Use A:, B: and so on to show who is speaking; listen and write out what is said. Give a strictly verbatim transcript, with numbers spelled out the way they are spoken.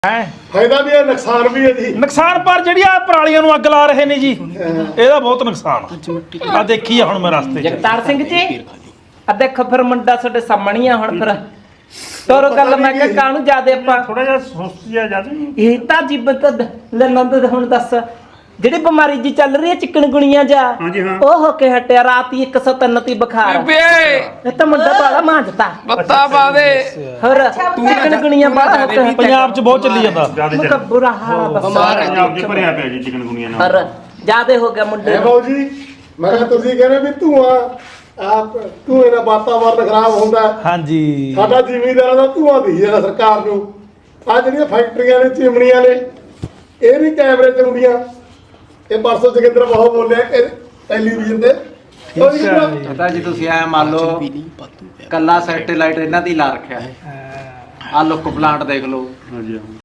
A: ਹੈ
B: ਫਾਇਦਾ ਵੀ ਹੈ ਨੁਕਸਾਨ ਵੀ ਹੈ ਜੀ।
A: ਨੁਕਸਾਨ ਪਰ ਜਿਹੜੀ ਆ ਪਰਾਲੀਆਂ ਨੂੰ ਅੱਗ ਲਾ ਰਹੇ ਨੇ ਜੀ ਇਹਦਾ ਬਹੁਤ ਨੁਕਸਾਨ ਆ ਦੇਖੀ ਆ ਹੁਣ ਮੈਂ ਰਸਤੇ 'ਚ।
C: ਜਗਤਾਰ ਸਿੰਘ ਜੀ ਆ ਦੇਖੋ ਫਿਰ ਮੁੰਡਾ ਤੁਹਾਡੇ ਸਾਹਮਣੇ ਆ ਹੁਣ ਫਿਰ ਤੋਰੋ ਗੱਲ ਮੈਂ ਕਿਹਾ ਕਾਹਨੂੰ ਜਿਆਦੇ ਆਪਾਂ
A: ਥੋੜਾ ਜਿਹਾ ਸੁਸਤ ਜਿਹਾ ਜ਼ਿਆਦਾ
C: ਇਹ ਤਾਂ ਜੀਵਤ ਲੰਨਦ ਹੁਣ ਦੱਸ ਜਿਹੜੀ ਬਿਮਾਰੀ ਜੀ ਚੱਲ ਰਹੀ ਹੈ ਚਿਕਨਗੁਣੀਆਂ ਜਾ ਉਹ ਹੋ ਕੇ ਹਟਿਆ ਰਾਤ ਹੀ ਇੱਕ ਸੌ ਤਿੰਨ ਤੀ ਬੁਖਾਰ ਇਹ ਤਾਂ ਮੁੰਡਾ ਬਾਲਾ ਮਾਂਜਤਾ
D: ਬੱਤਾ ਪਾ ਦੇ
C: ਹੋਰ ਚਿਕਨਗੁਣੀਆਂ ਬਾਲਾ ਹੋ ਕੇ
A: ਪੰਜਾਬ 'ਚ ਬਹੁਤ ਚੱਲੀ ਜਾਂਦਾ
C: ਮੁੰਡਾ ਬੁਰਾ ਹਾਲ
D: ਬਿਮਾਰ
A: ਪੰਜਾਬ 'ਚ ਭਰਿਆ ਪਿਆ ਜੀ ਚਿਕਨਗੁਣੀਆਂ ਨਾਲ।
C: ਹੋਰ ਜਿਆਦੇ ਹੋ ਗਿਆ ਮੁੰਡੇ
B: ਹੈ ਬਾਊ ਜੀ ਮੈਂ ਕਿਹਾ ਤੁਸੀਂ ਕਹਿੰਦੇ ਵੀ ਧੂਆਂ ਆਪ ਧੂਏ ਨਾਲ ਵਾਤਾਵਰਨ ਖਰਾਬ ਹੁੰਦਾ।
A: ਹਾਂਜੀ
B: ਸਾਡਾ ਜ਼ਿਮੀਂਦਾਰਾਂ ਦਾ ਧੂਆਂ ਦੀ ਜਿਹੜਾ ਸਰਕਾਰ ਨੂੰ ਆ ਜਿਹੜੀਆਂ ਫੈਕਟਰੀਆਂ ਨੇ ਚਿਮਨੀਆਂ ਨੇ ਇਹ ਵੀ ਕੈਮਰੇ ਚ ਆਉਂਦੀਆਂ। ਇਹ ਪਰਸੋਂ ਜਗਿੰਦਰ ਬਹੁਤ ਬੋਲਿਆ ਕਿ ਟੈਲੀਵਿਜ਼ਨ ਤੇ
E: ਪਤਾ ਜੀ ਤੁਸੀਂ ਐ ਮੰਨ ਲਓ ਕੱਲਾ ਸੈਟੇਲਾਈਟ ਇਹਨਾਂ ਦੀ ਲਾ ਰੱਖਿਆ ਹੈ ਆ ਲੁੱਕ ਪਲਾਂਟ ਦੇਖ ਲਓ।